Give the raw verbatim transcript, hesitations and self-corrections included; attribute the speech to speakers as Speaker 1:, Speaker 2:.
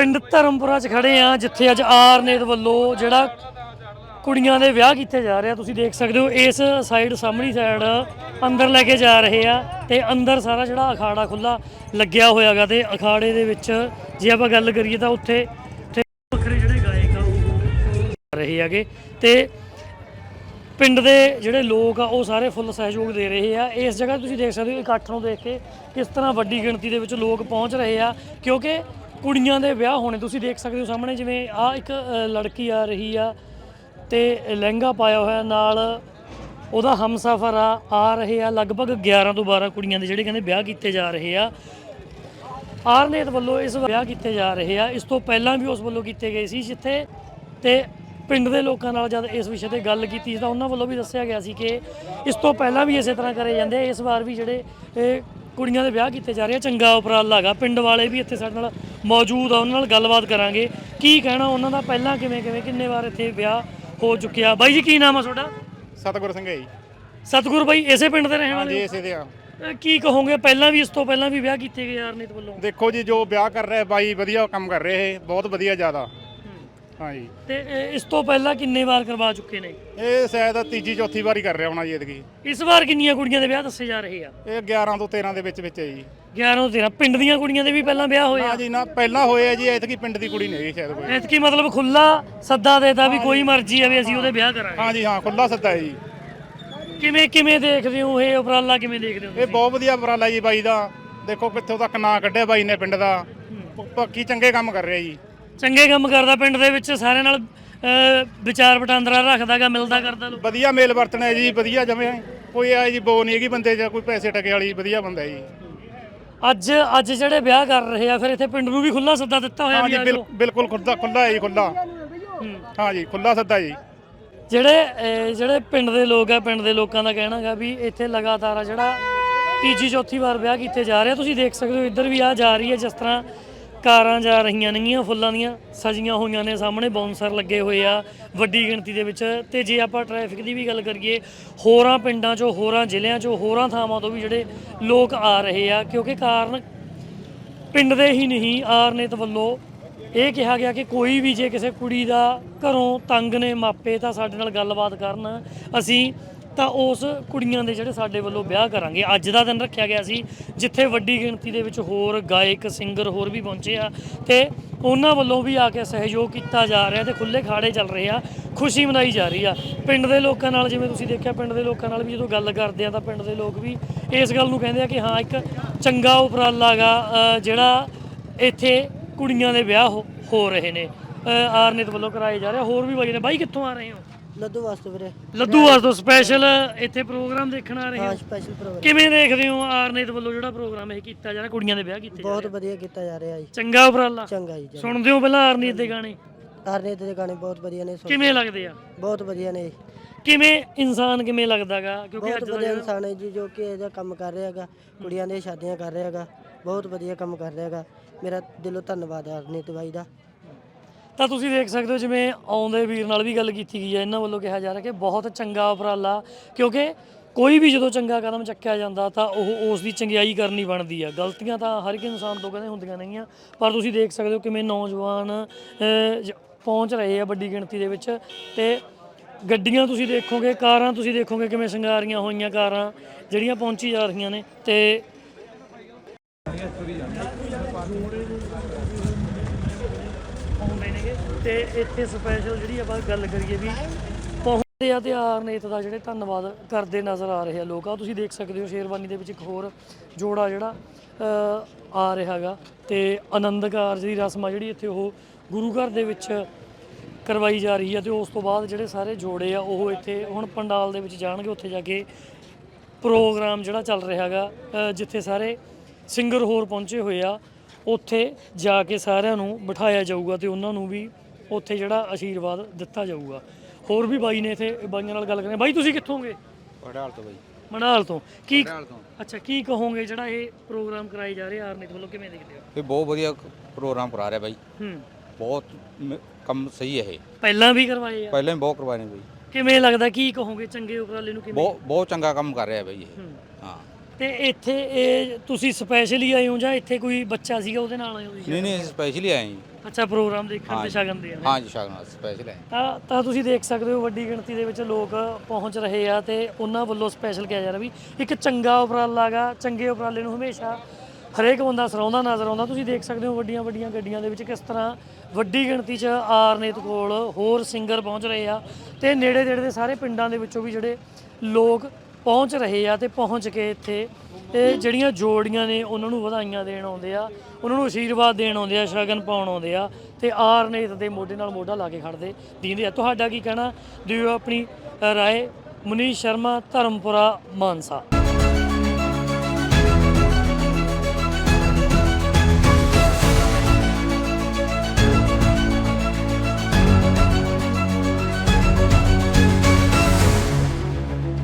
Speaker 1: ਪਿੰਡ ਧਰਮਪੁਰਾ 'ਚ ਖੜੇ ਆ ਜਿੱਥੇ ਅੱਜ ਆਰਨੇਤ ਵੱਲੋਂ ਜਿਹੜਾ ਕੁੜੀਆਂ ਦੇ ਵਿਆਹ ਕੀਤੇ ਜਾ ਰਹੇ ਆ। ਤੁਸੀਂ ਦੇਖ ਸਕਦੇ ਹੋ ਇਸ ਸਾਈਡ ਸਾਹਮਣੀ ਸਾਈਡ ਅੰਦਰ ਲੈ ਕੇ ਜਾ ਰਹੇ ਆ ਤੇ ਅੰਦਰ ਸਾਰਾ ਜਿਹੜਾ ਅਖਾੜਾ ਖੁੱਲਾ ਲੱਗਿਆ ਹੋਇਆ ਗਾ ਤੇ ਅਖਾੜੇ ਦੇ ਵਿੱਚ ਜੇ ਆਪਾਂ ਗੱਲ ਕਰੀਏ ਤਾਂ ਉੱਥੇ ਵੱਖਰੇ ਜਿਹੜੇ ਗਾਇਕ ਆ ਉਹ ਆ ਰਹੇ ਹੈਗੇ ਤੇ ਪਿੰਡ ਦੇ ਜਿਹੜੇ ਲੋਕ ਆ ਉਹ ਸਾਰੇ ਫੁੱਲ ਸਹਿਯੋਗ ਦੇ ਰਹੇ ਆ। ਇਸ ਜਗ੍ਹਾ ਤੁਸੀਂ ਦੇਖ ਸਕਦੇ ਹੋ ਇਕੱਠ ਨੂੰ ਦੇਖ ਕੇ ਕਿਸ ਤਰ੍ਹਾਂ ਵੱਡੀ ਗਿਣਤੀ ਦੇ ਵਿੱਚ ਲੋਕ ਪਹੁੰਚ ਰਹੇ ਆ ਕਿਉਂਕਿ ਕੁੜੀਆਂ ਦੇ ਵਿਆਹ ਹੋਣੇ। ਤੁਸੀਂ ਦੇਖ ਸਕਦੇ ਹੋ ਸਾਹਮਣੇ ਜਿਵੇਂ ਆ ਇੱਕ ਲੜਕੀ ਆ ਰਹੀ ਆ ਤੇ ਲਹਿੰਗਾ ਪਾਇਆ ਹੋਇਆ ਨਾਲ ਉਹਦਾ ਹਮਸਫਰ ਆ ਆ ਰਹੇ ਆ ਲਗਭਗ ਗਿਆਰਾਂ ਤੋਂ ਬਾਰਾਂ ਕੁੜੀਆਂ ਦੇ ਜਿਹੜੇ ਕਹਿੰਦੇ ਵਿਆਹ ਕੀਤੇ ਜਾ ਰਹੇ ਆ। ਆਰਨੇਤ ਵੱਲੋਂ ਇਸ ਵਿਆਹ ਕੀਤੇ ਜਾ ਰਹੇ ਆ। ਇਸ ਤੋਂ ਪਹਿਲਾਂ ਵੀ ਉਸ ਵੱਲੋਂ ਕੀਤੇ ਗਏ ਸੀ ਜਿੱਥੇ ਤੇ ਪਿੰਡ ਦੇ ਲੋਕਾਂ ਨਾਲ ਜਦ ਇਸ ਵਿਸ਼ੇ ਤੇ ਗੱਲ ਕੀਤੀ ਤਾਂ ਉਹਨਾਂ ਵੱਲੋਂ ਵੀ ਦੱਸਿਆ ਗਿਆ ਸੀ ਕਿ ਇਸ ਤੋਂ ਪਹਿਲਾਂ ਵੀ ਇਸੇ ਤਰ੍ਹਾਂ ਕਰੇ ਜਾਂਦੇ। ਇਸ ਵਾਰ ਵੀ ਜਿਹੜੇ ਇਹ ਕੁੜੀਆਂ ਦੇ ਵਿਆਹ ਕੀਤੇ ਜਾ ਰਹੇ ਆ ਚੰਗਾ ਉਪਰਾਲਾ ਹੈਗਾ। ਪਿੰਡ ਵਾਲੇ ਵੀ ਇੱਥੇ ਸਾਡੇ ਨਾਲ ਮੌਜੂਦ ਆ, ਉਹਨਾਂ ਨਾਲ ਗੱਲਬਾਤ ਕਰਾਂਗੇ ਕੀ ਕਹਿਣਾ ਉਹਨਾਂ ਦਾ, ਪਹਿਲਾਂ ਕਿਵੇਂ ਕਿਵੇਂ ਕਿੰਨੇ ਵਾਰ ਇੱਥੇ ਵਿਆਹ ਹੋ ਚੁੱਕਿਆ। ਬਾਈ ਜੀ ਕੀ ਨਾਮ ਆ ਤੁਹਾਡਾ?
Speaker 2: ਸਤਗੁਰ ਸਿੰਘ ਹੈ ਜੀ।
Speaker 1: ਸਤਗੁਰ ਬਾਈ ਇਸੇ ਪਿੰਡ ਦੇ ਰਹਿਣ ਵਾਲੇ?
Speaker 2: ਹਾਂਜੀ ਇਸੇ ਦੇ ਆ।
Speaker 1: ਕੀ ਕਹੋਗੇ ਪਹਿਲਾਂ ਵੀ ਇਸ ਤੋਂ ਪਹਿਲਾਂ ਵੀ ਵਿਆਹ ਕੀਤੇ ਗਏ ਆਰਨੇਤ ਵੱਲੋਂ?
Speaker 2: ਦੇਖੋ ਜੀ ਜੋ ਵਿਆਹ ਕਰ ਰਿਹਾ ਬਾਈ ਵਧੀਆ ਕੰਮ ਕਰ ਰਹੇ, ਬਹੁਤ ਵਧੀਆ ਜ਼ਿਆਦਾ। ਹਾਂਜੀ
Speaker 1: ਤੇ ਇਸ ਤੋਂ ਪਹਿਲਾਂ ਕਿੰਨੇ ਵਾਰ ਕਰਵਾ ਚੁੱਕੇ ਨੇ?
Speaker 2: ਇਹ ਸ਼ਾਇਦ ਤੀਜੀ ਚੌਥੀ ਵਾਰੀ ਕਰ ਰਿਹਾ ਹੋਣਾ ਜੀ ਐਤਕੀ।
Speaker 1: ਇਸ ਵਾਰ ਕਿੰਨੀਆਂ ਕੁੜੀਆਂ ਦੇ ਵਿਆਹ ਦੱਸੇ ਜਾ ਰਹੇ ਆ?
Speaker 2: ਇਹ ਗਿਆਰਾਂ ਤੋਂ ਤੇਰਾਂ ਦੇ ਵਿੱਚ ਵਿੱਚ ਹੈ ਜੀ।
Speaker 1: ਗਿਆਰਾਂ ਤੋਂ ਤੇਰਾਂ ਪਿੰਡ ਦੀਆਂ ਕੁੜੀਆਂ ਦੇ ਵੀ ਪਹਿਲਾਂ ਵਿਆਹ ਹੋਏ ਆ?
Speaker 2: ਜੀ ਨਾ ਪਹਿਲਾਂ ਹੋਏ ਆ ਜੀ, ਐਤਕੀ ਪਿੰਡ ਦੀ ਕੁੜੀ ਨਹੀਂ ਸ਼ਾਇਦ ਕੋਈ।
Speaker 1: ਐਤਕੀ ਮਤਲਬ ਖੁੱਲਾ ਸੱਦਾ ਦੇਤਾ ਵੀ ਕੋਈ ਮਰਜ਼ੀ ਆ ਵੀ ਅਸੀਂ ਉਹਦੇ ਵਿਆਹ ਕਰਾਂਗੇ?
Speaker 2: ਹਾਂਜੀ ਹਾਂ ਖੁੱਲਾ ਸੱਦਾ ਹੈ ਜੀ।
Speaker 1: ਕਿਵੇਂ ਕਿਵੇਂ ਦੇਖਦੇ ਹੋ ਇਹ ਉਪਰਾਲਾ, ਕਿਵੇਂ ਦੇਖਦੇ ਹੋ?
Speaker 2: ਇਹ ਬਹੁਤ ਵਧੀਆ ਉਪਰਾਲਾ ਜੀ ਬਾਈ ਦਾ। ਦੇਖੋ ਕਿੱਥੋਂ ਤੱਕ ਨਾਂ ਕੱਢਿਆ ਬਾਈ ਨੇ ਪਿੰਡ ਦਾ। ਪੱਕੀ ਚੰਗੇ ਕੰਮ ਕਰ ਰਿਹਾ ਜੀ।
Speaker 1: ਚੰਗੇ ਕੰਮ ਕਰਦਾ ਪਿੰਡ ਦੇ ਵਿੱਚ ਸਾਰਿਆਂ ਨਾਲ ਵਿਚਾਰ ਵਟਾਂਦਰਾ ਰੱਖਦਾਗਾ, ਮਿਲਦਾ ਕਰਦਾ ਲੋਕ।
Speaker 2: ਵਧੀਆ ਮੇਲ ਵਰਤਣਾ ਹੈ ਜੀ, ਵਧੀਆ ਜਮੇ ਕੋਈ ਆ ਜੀ ਬੋ ਨਹੀਂ ਹੈਗੀ ਬੰਦੇ 'ਚ, ਕੋਈ ਪੈਸੇ ਟਕੇ ਵਾਲੀ ਵਧੀਆ ਬੰਦਾ ਜੀ।
Speaker 1: ਅੱਜ ਅੱਜ ਜਿਹੜੇ ਵਿਆਹ ਕਰ ਰਹੇ ਆ ਫਿਰ ਇੱਥੇ ਪਿੰਡ ਨੂੰ ਵੀ ਖੁੱਲਾ ਸੱਦਾ ਦਿੱਤਾ ਹੋਇਆ?
Speaker 2: ਹਾਂਜੀ ਬਿਲਕੁਲ ਖੁੱਲਾ ਖੁੱਲਾ ਹੈ ਜੀ, ਖੁੱਲਾ। ਹਾਂਜੀ ਖੁੱਲਾ ਸੱਦਾ ਜੀ।
Speaker 1: ਜਿਹੜੇ ਜਿਹੜੇ ਪਿੰਡ ਦੇ ਲੋਕ ਆ, ਪਿੰਡ ਦੇ ਲੋਕਾਂ ਦਾ ਕਹਿਣਾ ਹੈਗਾ ਵੀ ਇੱਥੇ ਲਗਾਤਾਰ ਆ ਜਿਹੜਾ ਤੀਜੀ ਚੌਥੀ ਵਾਰ ਵਿਆਹ ਕੀਤੇ ਜਾ ਰਹੇ ਆ। ਤੁਸੀਂ ਦੇਖ ਸਕਦੇ ਹੋ ਇੱਧਰ ਵੀ ਆ ਜਾ ਰਹੀ ਹੈ ਜਿਸ ਤਰ੍ਹਾਂ ਕਾਰਾਂ ਜਾ ਰਹੀਆਂ ਨੇਗੀਆਂ, ਫੁੱਲਾਂ ਦੀਆਂ ਸਜੀਆਂ ਹੋਈਆਂ ਨੇ, ਸਾਹਮਣੇ ਬਾਉਂਸਰ ਲੱਗੇ ਹੋਏ ਆ ਵੱਡੀ ਗਿਣਤੀ ਦੇ ਵਿੱਚ। ਤੇ ਜੇ ਆਪਾਂ ਟ੍ਰੈਫਿਕ ਦੀ ਵੀ ਗੱਲ ਕਰੀਏ ਹੋਰਾਂ ਪਿੰਡਾਂ 'ਚੋਂ, ਹੋਰਾਂ ਜ਼ਿਲ੍ਹਿਆਂ 'ਚੋਂ, ਹੋਰਾਂ ਥਾਵਾਂ ਤੋਂ ਵੀ ਜਿਹੜੇ ਲੋਕ ਆ ਰਹੇ ਆ ਕਿਉਂਕਿ ਕਾਰਨ ਪਿੰਡ ਦੇ ਹੀ ਨਹੀਂ ਆਰਨੇਤ ਵੱਲੋਂ ਇਹ ਕਿਹਾ ਗਿਆ ਕਿ ਕੋਈ ਵੀ ਜੇ ਕਿਸੇ ਕੁੜੀ ਦਾ ਘਰੋਂ ਤੰਗ ਨੇ ਮਾਪੇ ਤਾਂ ਸਾਡੇ ਨਾਲ ਗੱਲਬਾਤ ਕਰਨ, ਅਸੀਂ ਤਾਂ ਉਸ ਕੁੜੀਆਂ ਦੇ ਜਿਹੜੇ ਸਾਡੇ ਵੱਲੋਂ ਵਿਆਹ ਕਰਾਂਗੇ। ਅੱਜ ਦਾ ਦਿਨ ਰੱਖਿਆ ਗਿਆ ਸੀ ਜਿੱਥੇ ਵੱਡੀ ਗਿਣਤੀ ਦੇ ਵਿੱਚ ਹੋਰ ਗਾਇਕ ਸਿੰਗਰ ਹੋਰ ਵੀ ਪਹੁੰਚੇ ਆ ਤੇ ਉਹਨਾਂ ਵੱਲੋਂ ਵੀ ਆ ਕੇ ਸਹਿਯੋਗ ਕੀਤਾ ਜਾ ਰਿਹਾ ਤੇ ਖੁੱਲੇ ਖਾੜੇ ਚੱਲ ਰਹੇ ਆ, ਖੁਸ਼ੀ ਮਨਾਈ ਜਾ ਰਹੀ ਆ। ਪਿੰਡ ਦੇ ਲੋਕਾਂ ਨਾਲ ਜਿਵੇਂ ਤੁਸੀਂ ਦੇਖਿਆ, ਪਿੰਡ ਦੇ ਲੋਕਾਂ ਨਾਲ ਵੀ ਜਦੋਂ ਗੱਲ ਕਰਦੇ ਆ ਤਾਂ ਪਿੰਡ ਦੇ ਲੋਕ ਵੀ ਇਸ ਗੱਲ ਨੂੰ ਕਹਿੰਦੇ ਆ ਕਿ ਹਾਂ ਇੱਕ ਚੰਗਾ ਉਪਰਾਲਾ ਗਾ ਜਿਹੜਾ ਇੱਥੇ ਕੁੜੀਆਂ ਦੇ ਵਿਆਹ ਹੋ ਰਹੇ ਨੇ ਆਰਨੇਤ ਵੱਲੋਂ ਕਰਾਏ ਜਾ ਰਹੇ। ਹੋਰ ਵੀ ਬਾਈ ਨੇ। ਬਾਈ ਕਿੱਥੋਂ ਆ ਰਹੇ ਹੋ?
Speaker 3: ਲੱਦੂ ਵਾਸਤੇ ਵੀਰੇ।
Speaker 1: ਲੱਦੂ ਵਾਸਤੇ ਸਪੈਸ਼ਲ ਇੱਥੇ ਪ੍ਰੋਗਰਾਮ ਦੇਖਣ ਆ ਰਹੇ ਹੋ?
Speaker 3: ਹਾਂ ਸਪੈਸ਼ਲ ਪ੍ਰੋਗਰਾਮ।
Speaker 1: ਕਿਵੇਂ ਦੇਖਦੇ ਹੋ ਆਰਨੇਤ ਵੱਲੋਂ ਜਿਹੜਾ ਪ੍ਰੋਗਰਾਮ ਇਹ ਕੀਤਾ ਜਾ ਰਿਹਾ, ਕੁੜੀਆਂ ਦੇ ਵਿਆਹ ਕੀਤੇ?
Speaker 3: ਬਹੁਤ ਵਧੀਆ ਕੀਤਾ ਜਾ ਰਿਹਾ ਜੀ।
Speaker 1: ਚੰਗਾ ਉਪਰਾਲਾ?
Speaker 3: ਚੰਗਾ ਜੀ।
Speaker 1: ਸੁਣਦੇ ਹੋ ਪਹਿਲਾਂ ਆਰਨੇਤ ਦੇ ਗਾਣੇ?
Speaker 3: ਆਰਨੇਤ ਦੇ ਗਾਣੇ ਬਹੁਤ ਵਧੀਆ ਨੇ।
Speaker 1: ਕਿਵੇਂ ਲੱਗਦੇ ਆ?
Speaker 3: ਬਹੁਤ ਵਧੀਆ ਨੇ।
Speaker 1: ਕਿਵੇਂ ਇਨਸਾਨ ਕਿਵੇਂ ਲੱਗਦਾਗਾ ਕਿਉਂਕਿ
Speaker 3: ਬਹੁਤ ਵਧੀਆ ਇਨਸਾਨ ਹੈ ਜੀ ਜੋ ਕਿ ਇਹਦਾ ਕੰਮ ਕਰ ਰਿਹਾ ਹੈਗਾ, ਕੁੜੀਆਂ ਦੀਆਂ ਸ਼ਾਦੀਆਂ ਕਰ ਰਿਹਾ ਹੈਗਾ, ਬਹੁਤ ਵਧੀਆ ਕੰਮ ਕਰ ਰਿਹਾ ਹੈਗਾ। ਮੇਰਾ ਦਿਲੋਂ ਧੰਨਵਾਦ ਹੈ ਆਰਨੇਤ ਬਾਈ ਦਾ।
Speaker 1: ਤਾਂ ਤੁਸੀਂ ਦੇਖ ਸਕਦੇ ਹੋ ਜਿਵੇਂ ਆਉਂਦੇ ਵੀਰ ਨਾਲ ਵੀ ਗੱਲ ਕੀਤੀ ਗਈ ਹੈ, ਇਹਨਾਂ ਵੱਲੋਂ ਕਿਹਾ ਜਾ ਰਿਹਾ ਕਿ ਬਹੁਤ ਚੰਗਾ ਉਪਰਾਲਾ ਕਿਉਂਕਿ ਕੋਈ ਵੀ ਜਦੋਂ ਚੰਗਾ ਕਦਮ ਚੱਕਿਆ ਜਾਂਦਾ ਤਾਂ ਉਹ ਉਸ ਦੀ ਚੰਗਿਆਈ ਕਰਨੀ ਬਣਦੀ ਆ। ਗਲਤੀਆਂ ਤਾਂ ਹਰ ਇੱਕ ਇਨਸਾਨ ਤੋਂ ਕਹਿੰਦੇ ਹੁੰਦੀਆਂ ਨਹੀਂਆਂ, ਪਰ ਤੁਸੀਂ ਦੇਖ ਸਕਦੇ ਹੋ ਕਿਵੇਂ ਨੌਜਵਾਨ ਪਹੁੰਚ ਰਹੇ ਆ ਵੱਡੀ ਗਿਣਤੀ ਦੇ ਵਿੱਚ ਤੇ ਗੱਡੀਆਂ ਤੁਸੀਂ ਦੇਖੋਗੇ, ਕਾਰਾਂ ਤੁਸੀਂ ਦੇਖੋਗੇ ਕਿਵੇਂ ਸ਼ਿੰਗਾਰੀਆਂ ਹੋਈਆਂ ਕਾਰਾਂ ਜਿਹੜੀਆਂ ਪਹੁੰਚੀ ਜਾ ਰਹੀਆਂ ਨੇ ਤੇ ਤੇ ਇੱਥੇ ਸਪੈਸ਼ਲ ਜਿਹੜੀ ਆਪਾਂ ਗੱਲ ਕਰੀਏ ਵੀ ਪਹੁੰਚਦੇ ਆ ਤੇ ਆਰਨੇਤ ਦਾ ਜਿਹੜੇ ਧੰਨਵਾਦ ਕਰਦੇ ਨਜ਼ਰ ਆ ਰਹੇ ਆ ਲੋਕ। ਆ ਤੁਸੀਂ ਦੇਖ ਸਕਦੇ ਹੋ ਸ਼ੇਰਵਾਨੀ ਦੇ ਵਿੱਚ ਇੱਕ ਹੋਰ ਜੋੜਾ ਜਿਹੜਾ ਆ ਰਿਹਾ ਹੈਗਾ ਤੇ ਆਨੰਦ ਕਾਰਜ ਦੀ ਰਸਮ ਆ ਜਿਹੜੀ ਇੱਥੇ ਉਹ ਗੁਰੂ ਘਰ ਦੇ ਵਿੱਚ ਕਰਵਾਈ ਜਾ ਰਹੀ ਹੈ ਤੇ ਉਸ ਤੋਂ ਬਾਅਦ ਜਿਹੜੇ ਸਾਰੇ ਜੋੜੇ ਆ ਉਹ ਇੱਥੇ ਹੁਣ ਪੰਡਾਲ ਦੇ ਵਿੱਚ ਜਾਣਗੇ। ਉੱਥੇ ਜਾ ਕੇ ਪ੍ਰੋਗਰਾਮ ਜਿਹੜਾ ਚੱਲ ਰਿਹਾ ਹੈਗਾ ਜਿੱਥੇ ਸਾਰੇ ਸਿੰਗਰ ਹੋਰ ਪਹੁੰਚੇ ਹੋਏ ਆ ਉੱਥੇ ਜਾ ਕੇ ਸਾਰਿਆਂ ਨੂੰ ਬਿਠਾਇਆ ਜਾਊਗਾ ਤੇ ਉਹਨਾਂ ਨੂੰ ਵੀ ਉੱਥੇ ਜਿਹੜਾ ਆਸ਼ੀਰਵਾਦ ਦਿੱਤਾ ਜਾਊਗਾ। ਹੋਰ ਵੀ ਬਾਈ ਨੇ ਇੱਥੇ ਬਾਈਆਂ ਨਾਲ ਗੱਲ ਕਰਨੀ। ਬਾਈ ਤੁਸੀਂ ਕਿੱਥੋਂਗੇ?
Speaker 4: ਮੜਾਲ ਤੋਂ ਬਾਈ।
Speaker 1: ਮੜਾਲ ਤੋਂ। ਕੀ ਅੱਛਾ ਕੀ ਕਹੋਗੇ ਜਿਹੜਾ ਇਹ ਪ੍ਰੋਗਰਾਮ ਕਰਾਏ ਜਾ ਰਹੇ ਆਰਨੇਤ ਵੱਲੋਂ, ਕਿਵੇਂ ਦੇਖਦੇ ਹੋ?
Speaker 4: ਇਹ ਬਹੁਤ ਵਧੀਆ ਪ੍ਰੋਗਰਾਮ ਕਰਾ ਰਿਹਾ ਬਾਈ।
Speaker 1: ਹੂੰ
Speaker 4: ਬਹੁਤ ਕੰਮ ਸਹੀ ਹੈ ਇਹ।
Speaker 1: ਪਹਿਲਾਂ ਵੀ ਕਰਵਾਏ ਆ?
Speaker 4: ਪਹਿਲਾਂ ਵੀ ਬਹੁਤ ਕਰਵਾਏ ਨੇ ਬਾਈ।
Speaker 1: ਕਿਵੇਂ ਲੱਗਦਾ, ਕੀ ਕਹੋਗੇ ਚੰਗੇ ਉਪਰਾਲੇ ਨੂੰ? ਕਿਵੇਂ?
Speaker 4: ਬਹੁਤ ਬਹੁਤ ਚੰਗਾ ਕੰਮ ਕਰ ਰਿਹਾ ਬਾਈ ਇਹ। ਹਾਂ
Speaker 1: ਤੇ ਇੱਥੇ ਇਹ ਤੁਸੀਂ ਸਪੈਸ਼ਲੀ ਆਏ ਹੋ ਜਾਂ ਇੱਥੇ ਕੋਈ ਬੱਚਾ ਸੀਗਾ ਉਹਦੇ ਨਾਲ ਆਏ ਹੋ ਜੀ?
Speaker 4: ਨਹੀਂ ਨਹੀਂ ਸਪੈਸ਼ਲੀ ਆਏ ਜੀ।
Speaker 1: ਅੱਛਾ, ਪ੍ਰੋਗਰਾਮ ਦੇਖਣ ਤੇ
Speaker 4: ਹਾਂਜੀ।
Speaker 1: ਸ਼ਗਨ ਦੇਣ।
Speaker 4: ਹਾਂ ਜੀ ਸ਼ਗਨ ਸਪੈਸ਼ਲ ਆਏ।
Speaker 1: ਤਾਂ ਤਾਂ ਤੁਸੀਂ ਦੇਖ ਸਕਦੇ ਹੋ ਵੱਡੀ ਗਿਣਤੀ ਦੇ ਵਿੱਚ ਲੋਕ ਪਹੁੰਚ ਰਹੇ ਆ ਤੇ ਉਹਨਾਂ ਵੱਲੋਂ ਸਪੈਸ਼ਲ ਕਿਹਾ ਜਾ ਰਿਹਾ ਵੀ ਇੱਕ ਚੰਗਾ ਉਪਰਾਲਾ ਗਾ। ਚੰਗੇ ਉਪਰਾਲੇ ਨੂੰ ਹਮੇਸ਼ਾ ਹਰੇਕ ਬੰਦਾ ਸਰਾਉਂਦਾ ਨਜ਼ਰ ਆਉਂਦਾ। ਤੁਸੀਂ ਦੇਖ ਸਕਦੇ ਹੋ ਵੱਡੀਆਂ ਵੱਡੀਆਂ ਗੱਡੀਆਂ ਦੇ ਵਿੱਚ ਕਿਸ ਤਰ੍ਹਾਂ ਵੱਡੀ ਗਿਣਤੀ 'ਚ ਆਰਨੇਤ ਕੋਲ ਹੋਰ ਸਿੰਗਰ ਪਹੁੰਚ ਰਹੇ ਆ ਤੇ ਨੇੜੇ ਨੇੜੇ ਦੇ ਸਾਰੇ ਪਿੰਡਾਂ ਦੇ ਵਿੱਚੋਂ ਵੀ ਜਿਹੜੇ ਲੋਕ ਪਹੁੰਚ ਰਹੇ ਆ ਤੇ ਪਹੁੰਚ ਕੇ ਇੱਥੇ ਤੇ ਜਿਹੜੀਆਂ ਜੋੜੀਆਂ ਨੇ ਉਹਨਾਂ ਨੂੰ ਵਧਾਈਆਂ ਦੇਣ ਆਉਂਦੇ ਆ, ਉਹਨਾਂ ਨੂੰ ਆਸ਼ੀਰਵਾਦ ਦੇਣ ਆਉਂਦੇ ਆ, ਸ਼ਗਨ ਪਾਉਣ ਆਉਂਦੇ ਆ ਤੇ ਆਰਨੇਤ ਦੇ ਮੋਢੇ ਨਾਲ ਮੋਢਾ ਲਾ ਕੇ ਖੜਦੇ ਦੀਂਦੇ ਆ। ਤੁਹਾਡਾ ਕੀ ਕਹਿਣਾ, ਦਿਓ ਆਪਣੀ ਰਾਏ। ਮਨੀਸ਼ ਸ਼ਰਮਾ, ਧਰਮਪੁਰਾ, ਮਾਨਸਾ।